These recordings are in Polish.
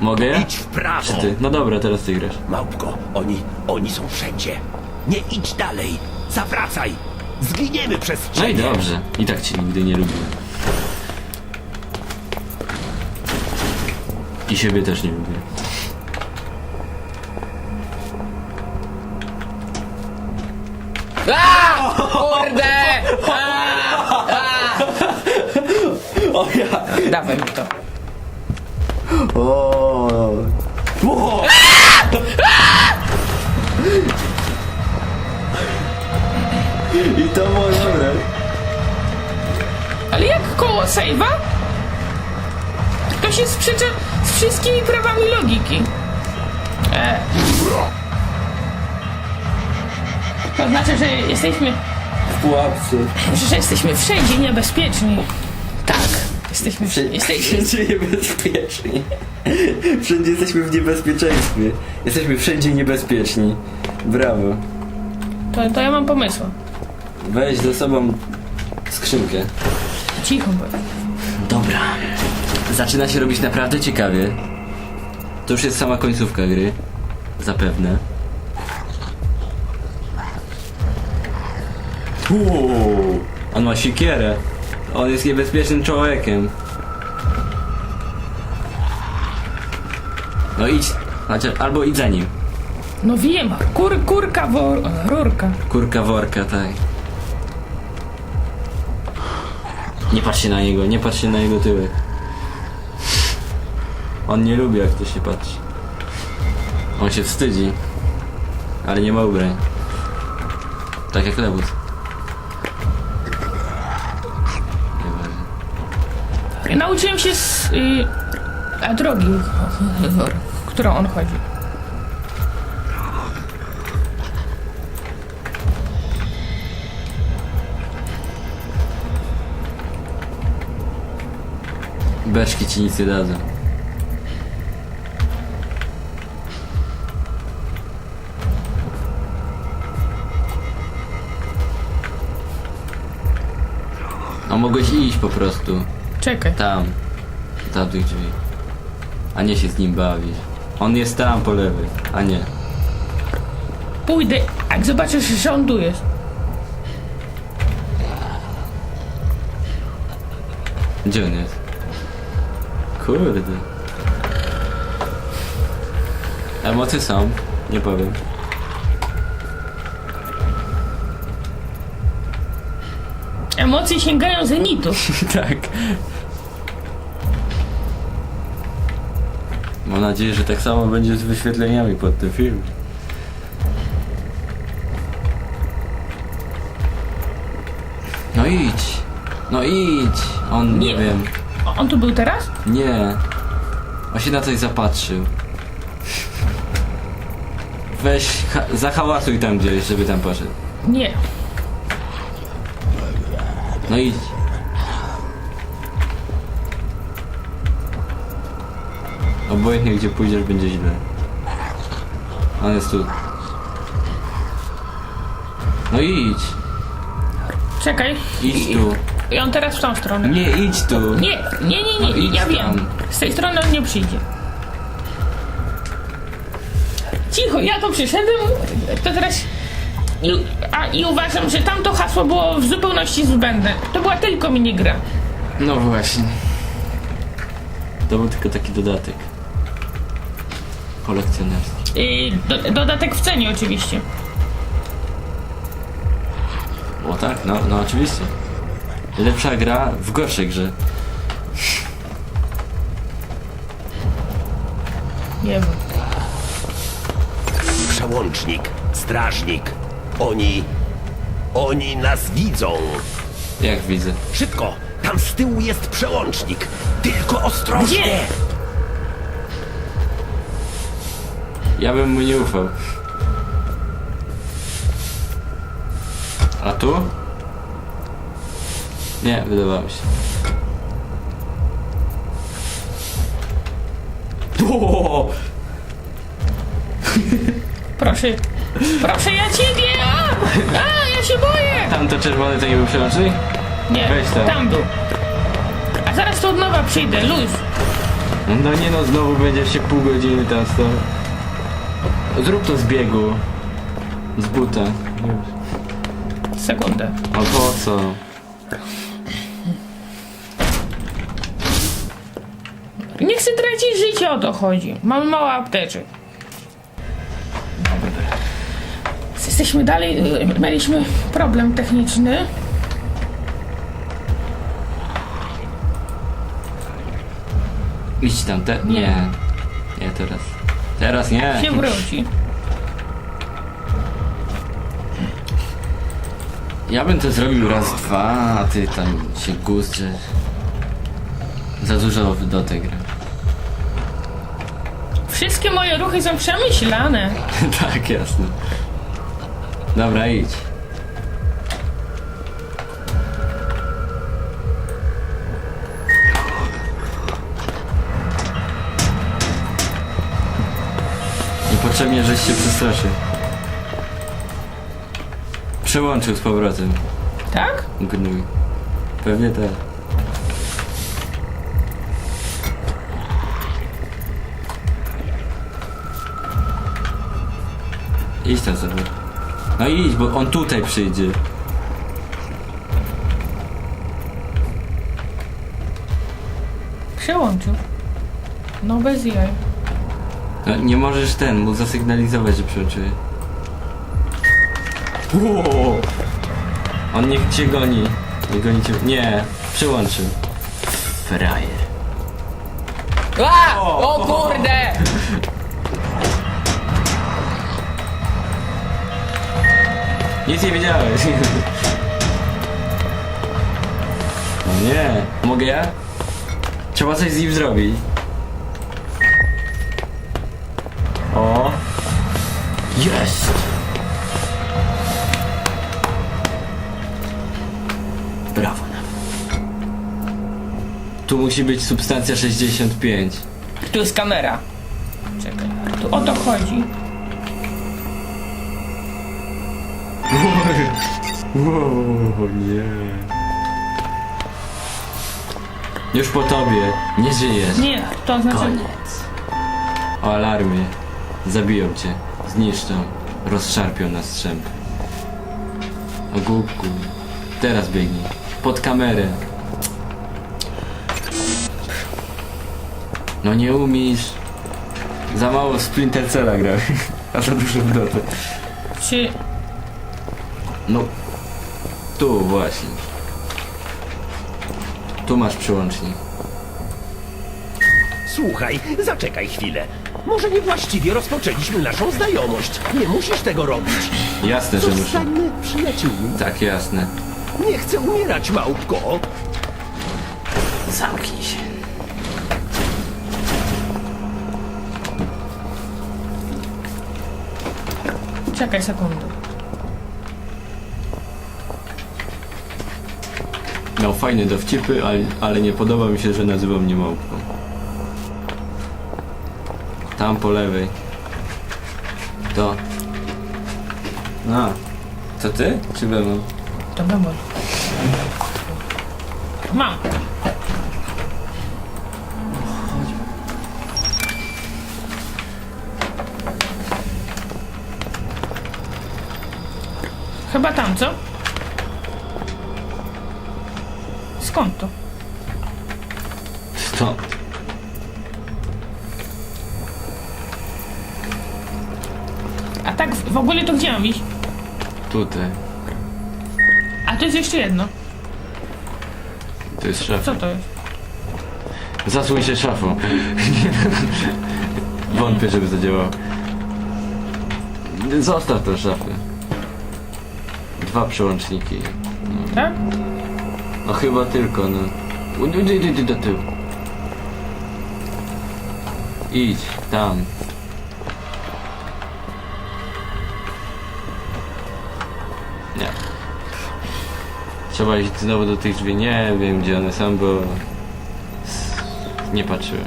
Mogę? Idź w prawo. Czy ty? No dobra, teraz ty grasz. Małpko, oni są wszędzie. Nie idź dalej. Zawracaj. Zginiemy przez No i ciebie. dobrze. I tak cię nigdy nie lubiłem. I siebie też nie lubię. Kurde! O ja! Dawaj mi to. O! I to było dobre. Ale jak koło save'a? To się sprzecza z wszystkimi prawami logiki. To znaczy, że jesteśmy... W pułapce. Że jesteśmy wszędzie niebezpieczni. Tak. Jesteśmy Wszędzie niebezpieczni. Wszędzie jesteśmy w niebezpieczeństwie. Jesteśmy wszędzie niebezpieczni. Brawo. To ja mam pomysł. Weź ze sobą skrzynkę. Cicho bądź. Dobra. Zaczyna się robić naprawdę ciekawie. To już jest sama końcówka gry. Zapewne. Uuu, on ma siekierę. On jest niebezpiecznym człowiekiem. No idź. Chociaż, albo idź za nim. No wiem, rurka. Kurka worka, tak. Nie patrzcie na niego, nie patrzcie na jego tyłek. On nie lubi, jak to się patrzy. On się wstydzi. Ale nie ma ubrań. Tak jak Lewus. Nieważne. Nauczyłem się z drogi, w którą on chodzi. Beczki ci nic nie dadzą. A mogłeś iść po prostu. Czekaj. Tam. Tam tych drzwi. A nie się z nim bawić. On jest tam po lewej, a nie. Pójdę, jak zobaczysz, że on tu jest. Gdzie on jest? Kurde. Emocje są, nie powiem. Emocje sięgają zenitu. Tak. Mam nadzieję, że tak samo będzie z wyświetleniami pod tym filmem. No idź. No idź. On nie wiem. On tu był teraz? Nie. On się na coś zapatrzył. Weź, zahałasuj tam gdzieś, żeby tam poszedł. Nie. No idź. Obojętnie gdzie pójdziesz, będzie źle. On jest tu. No idź. Czekaj. Idź tu. I on teraz w tą stronę. Nie, idź tu. Nie, No idź ja tam. wiem. Z tej strony on nie przyjdzie. Cicho, ja tu przyszedłem, to teraz... I uważam, że tamto hasło było w zupełności zbędne. To była tylko minigra. No właśnie. To był tylko taki dodatek. Kolekcjonerski. Dodatek w cenie oczywiście. O tak, no oczywiście. Lepsza gra w gorszej grze. Nie wiem. Przełącznik, strażnik. Oni nas widzą. Jak widzę. Szybko, tam z tyłu jest przełącznik. Tylko ostrożnie. Gdzie? Ja bym mu nie ufał. A tu? Nie, wydawało mi się. O! Proszę. Proszę, ja ciebie! Ja się boję! Tam to czerwony to nie był przełącznik? Nie, Weź tam. tam był. A zaraz tu od nowa przyjdę, luz. No nie no, znowu będziesz się pół godziny tam stał. Zrób to z biegu. Z buta. Sekundę. A po co? Nie chcę tracić życia, o to chodzi. Mamy mało apteczek. Jesteśmy dalej, mieliśmy problem techniczny. Idź tam, nie. Nie teraz. Teraz nie. Się wróci. Ja bym to zrobił raz, dwa, a ty tam się gustrzesz. Za dużo do tej gry. Wszystkie moje ruchy są przemyślane. Tak, jasne. Dobra, idź. Niepotrzebnie, żeś się przestraszył. Przełączył z powrotem. Tak? Gnój. Pewnie tak. Idź tam sobie. No idź, bo on tutaj przyjdzie. Przełączył. No bez jaj. No, nie możesz mu zasygnalizować, że przełączyłeś. Wow. On niech cię goni. Nie goni cię. Nie, przełączył. Frajer. A! O kurde! Nic nie wiedziałeś. No nie. Mogę ja? Trzeba coś z nim zrobić. O. Jest. Brawo nawet. Tu musi być substancja 65. Tu jest kamera. Czekaj, tu o to chodzi. Wow, nie. Już po tobie. Nie żyjesz. Nie, to znaczy... Koniec. O alarmie. Zabiją cię. Zniszczą. Rozszarpią na strzępy. O głupku. Teraz biegnij. Pod kamerę. No nie umiesz. Za mało w Splinter Cella grałeś. A za dużo w Dotę. Czy... No. Tu właśnie. Tu masz przyłącznik. Słuchaj, zaczekaj chwilę. Może niewłaściwie rozpoczęliśmy naszą znajomość. Nie musisz tego robić. Jasne, że muszę. Zostańmy przyjaciółmi. Tak, jasne. Nie chcę umierać, małpko. Zamknij się. Czekaj sekundę. Miał fajne dowcipy, ale nie podoba mi się, że nazywa mnie małpką. Tam po lewej. To. A. To ty? Czy bemol? To bemol. Mam. Chyba tam, co? Skąd to? Stąd. A tak w ogóle to gdzie mam iść? Tutaj. A to jest jeszcze jedno. To jest szafa. Co to jest? Zasłuj się szafą. Wątpię, żeby to działało. Zostaw tę szafę. 2 przełączniki. Tak? No chyba tylko, no. Idź do tyłu. Idź, tam. Nie. Trzeba iść znowu do tych drzwi. Nie wiem, gdzie one są, bo... nie patrzyłem.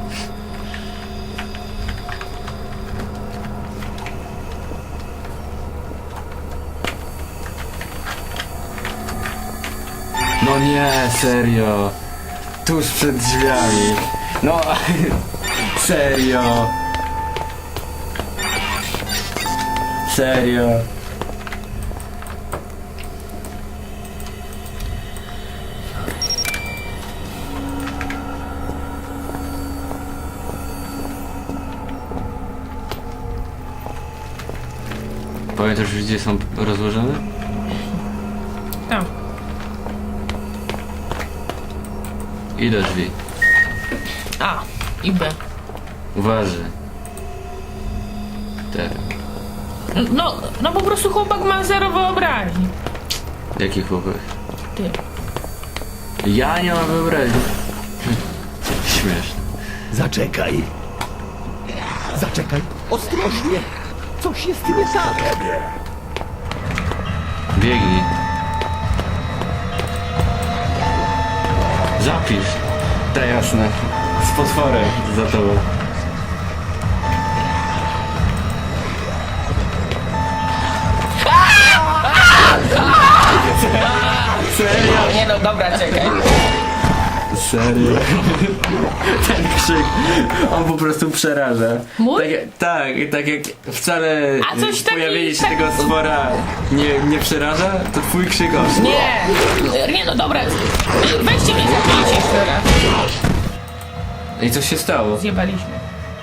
No nie, serio. Tuż przed drzwiami. No, Serio? Serio? Pamiętasz, gdzie są rozłożone? Tam. Ile drzwi? A i B. Uważaj. Te. No po prostu chłopak ma zero wyobraźni. Jaki chłopak? Ty. Ja nie mam wyobraźni. Śmieszne. Zaczekaj. Zaczekaj. Ostrożnie. Coś jest nie tak. Biegnij. Zapisz. Ta jasne. Z potworem za tobą. Serio? Nie no, dobra, czekaj. Serio? Ten krzyk, on po prostu przeraża. Mój? Tak jak wcale A coś taki- pojawienie się tego stwora nie przeraża, to twój krzyk oszło. Nie no, dobra. Weźcie mnie zabijcie jeszcze raz. I co się stało? Zjebaliśmy.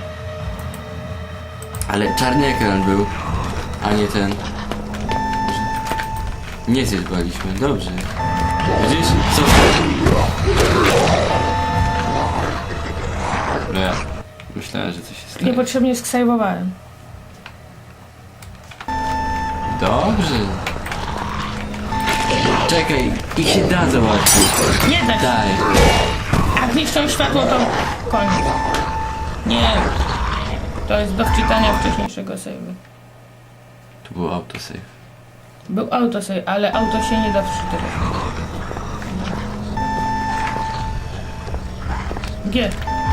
Ale czarny ekran był, a nie ten. Nie zjebaliśmy, dobrze. Widzisz? Co? No ja myślałem, że coś się stało. Niepotrzebnie sksajbowałem. Dobrze. Czekaj, ich się da załatwić. Nie da się. Daj. Jak zniszczą światło, to koniec. Nie. To jest do wczytania wcześniejszego save'u. Tu był autosave. Był autosave, ale auto się nie da wczytywać. G.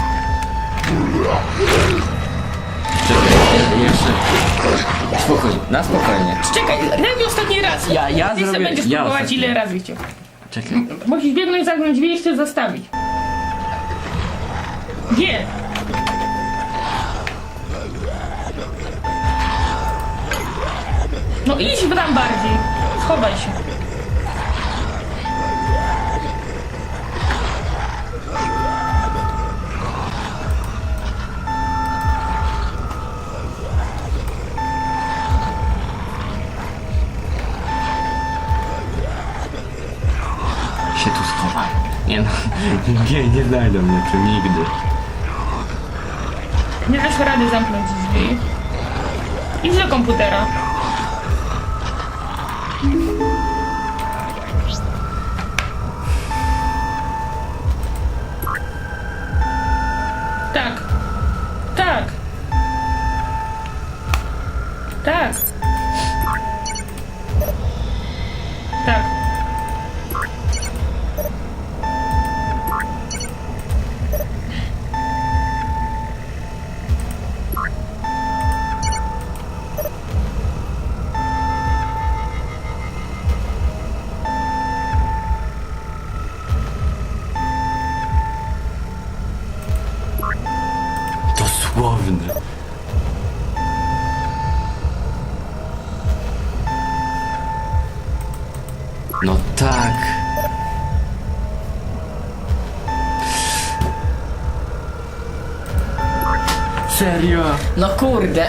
Czekaj, jeszcze. Spokojnie, na spokojnie. Czekaj, daj mi ostatni raz. Ja Ty se zrobię- będziesz ja próbować ostatni. ile razy chciał. Czekaj. Musisz biegnąć, zamknąć drzwi i jeszcze zostawić. G. No idź tam bardziej. Schowaj się. Się tu schowaj. Nie no. Nie znajdą mnie tu nigdy. Nie dasz rady zamknąć drzwi. Idź do komputera. Tak. Tak. Tak. Tak. Dosłowny. No tak. Serio? No kurde.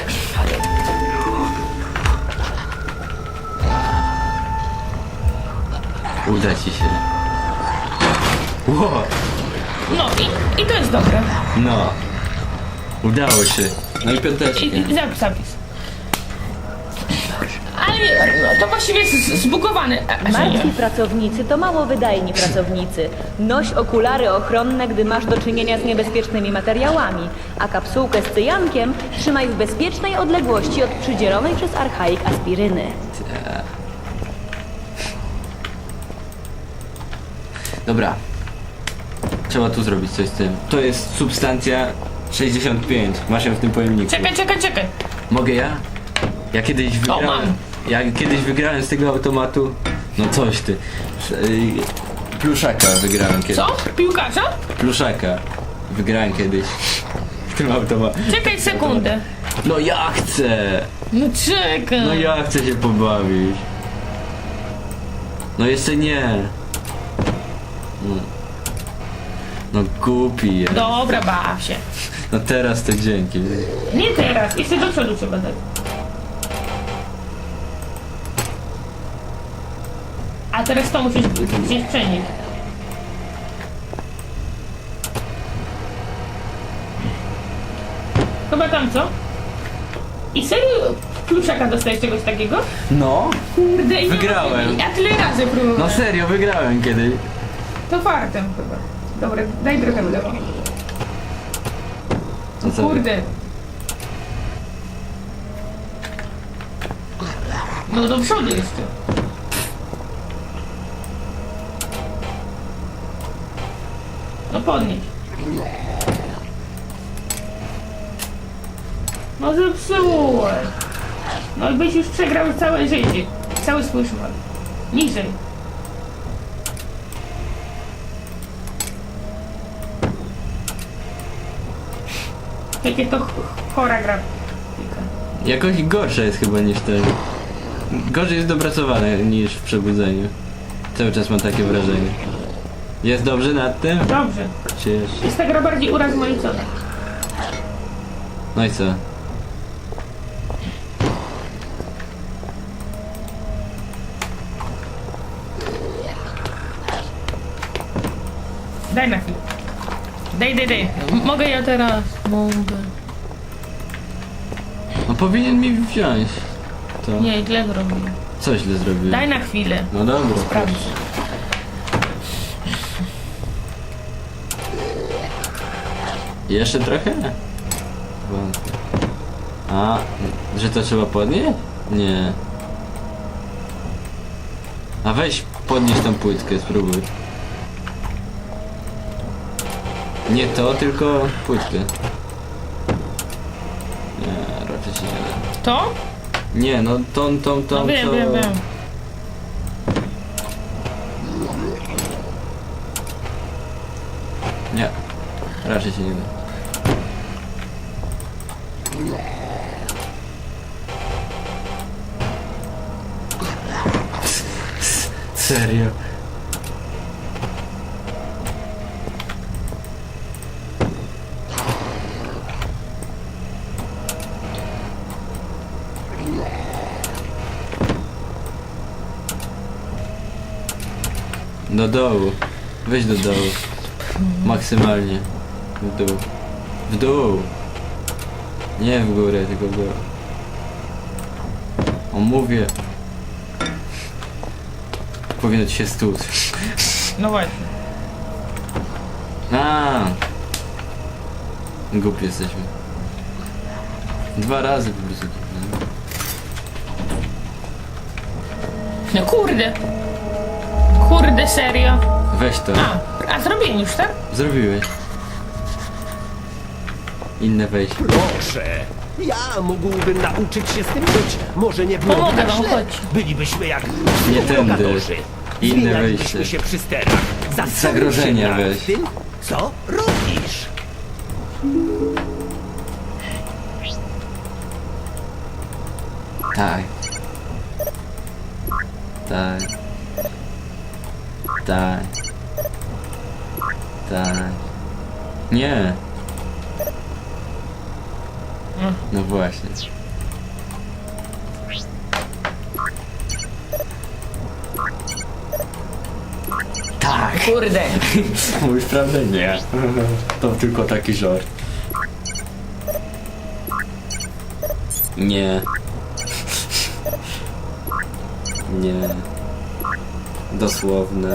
Uda ci się. Ło, No i to jest dobre. no. Udało się. No i piąteczkę. I zapis. Ale no, to właściwie jest zbugowane. Martwi pracownicy to mało wydajni pracownicy. Noś okulary ochronne, gdy masz do czynienia z niebezpiecznymi materiałami, a kapsułkę z cyjankiem trzymaj w bezpiecznej odległości od przydzielonej przez archaik aspiryny. Dobra. Trzeba tu zrobić coś z tym. To jest substancja 65. Masz ją w tym pojemniku. Czekaj. Mogę ja? Ja kiedyś wygrałem. mam. Ja kiedyś wygrałem z tego automatu. No coś ty. Pluszaka wygrałem kiedyś. Co? Piłkarza? Pluszaka. Wygrałem kiedyś. tym automatem. Czekaj sekundę. No ja chcę! No czekaj. No ja chcę się pobawić. No jeszcze nie. No głupi jest. Dobra, baw się. No teraz to dzięki. Nie teraz, jeszcze do przodu trzeba dać. A teraz to musisz gdzieś przenieść. Chyba tam, co? I serio pluszaka dostajesz czegoś takiego? No? Kurde, i Wygrałem. Ja tyle razy próbowałem. No serio, wygrałem kiedyś. To fartem chyba. Dobra, daj trochę w lewo. No co? Kurde. No do przodu jeszcze. No podnieś. No zepsułeś. No i byś już przegrał całe życie. Cały swój szmal. Niżej. Jakie to chora grafika. Jakoś gorsze jest chyba niż ten. Gorzej jest dopracowane niż w Przebudzeniu. Cały czas mam takie wrażenie. Jest dobrze nad tym? Dobrze. Cieszę. Jest ta gra bardziej urazmaicona. No i co? Daj na chwilę. Daj. Mogę ja teraz? Mogę. No powinien mi wziąć. To. Nie, źle zrobiłem. Co źle zrobiłem? Daj na chwilę. No dobra. Sprawdź. Jeszcze trochę? Wątpię. A, że to trzeba podnieść? Nie. A weź podnieś tą płytkę, spróbuj. Nie to, tylko płytkę. Nie, raczej się nie da. To? Nie, no tą, No wiem, co... wiem. Nie, raczej się nie da. Serio? Do dołu. Weź do dołu. Maksymalnie. W dół. W dół. Nie w górę, tylko w dół. O, mówię. Powinno ci się stłuc. No właśnie. A. Głupi jesteśmy. 2 razy po prostu. No kurde. Kurde, serio. Weź to. A zrobiłem już, tak? Zrobiłeś. Inne wejście. Proszę. Ja mógłbym nauczyć się z tym żyć. Może nie byłoby Pomogę tak wam, źle. chodź. Bylibyśmy jak Nie tędy. lokatorzy. Inne Zmienialibyśmy wejście. się przy sterach. Zagrożenia Zastanów się weź. nad tym, co robisz. Tak. Tak. Tak. Tak. Nie. No właśnie. Tak. Kurde. Mówisz prawdę? Nie. To tylko taki żart. Nie. Nie. Dosłowne.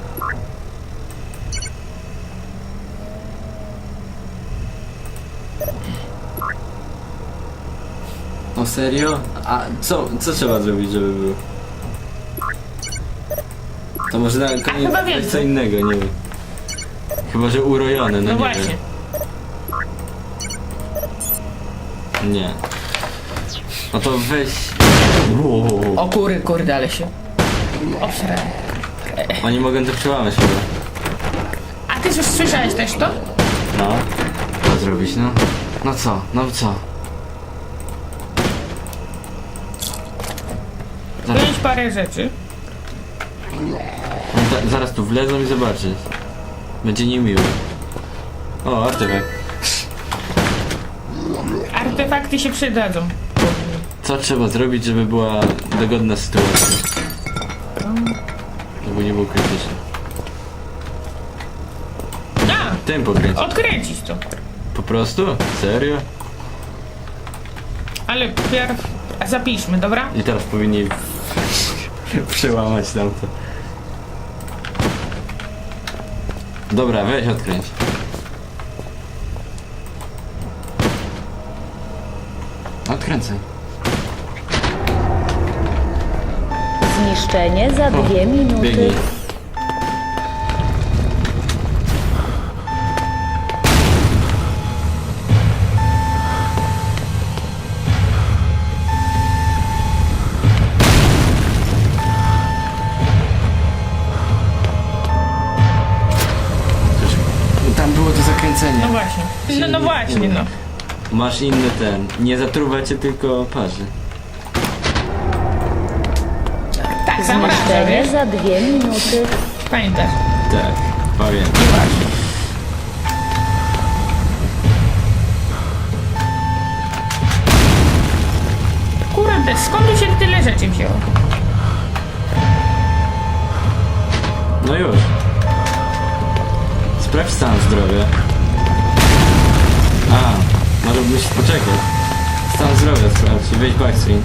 O serio? A co trzeba zrobić, żeby było? To może na koniec chyba coś wiem. co innego, nie wiem. Chyba, że urojone, no, No nie właśnie. wiem. Nie. No to weź... Wow. O kurde, ale się obsrałem. Oni mogą to przełamać chyba. A ty już słyszałeś też to? No. Co zrobić, no? No co? No co? Wziąć parę rzeczy. Zaraz tu wlezą i zobaczysz. Będzie niemiło. O, artefakt. Artefakty się przydadzą. Co trzeba zrobić, żeby była dogodna sytuacja? Żeby nie było krytyczne. A! Tym pokręcić. Odkręcić to. Po prostu? Serio? Ale pierw zapiszmy, dobra? I teraz powinni przełamać tamto. Dobra, weź odkręć. Odkręcaj. Zniszczenie za 2 minuty. Biegnij. Tam było to zakręcenie. No właśnie. No właśnie, no. Masz inny ten. Nie zatruwa cię, tylko parzy. Tak, zamraża, Zniszczenie wiesz? za 2 minuty. Pamiętasz. Tak, pamiętam. Właśnie. Kurde, skąd tu się tyle rzeczy wzięło? No już. Sprawdź stan zdrowia. A, może musisz poczekać. Stan zdrowia sprawdź i wejdź backscreen.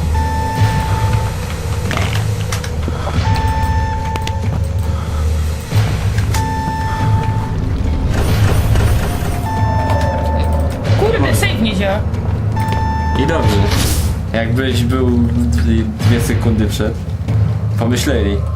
Kurde, save nie działa. I dobrze. Jakbyś był 2 sekundy przed. Pomyśleli.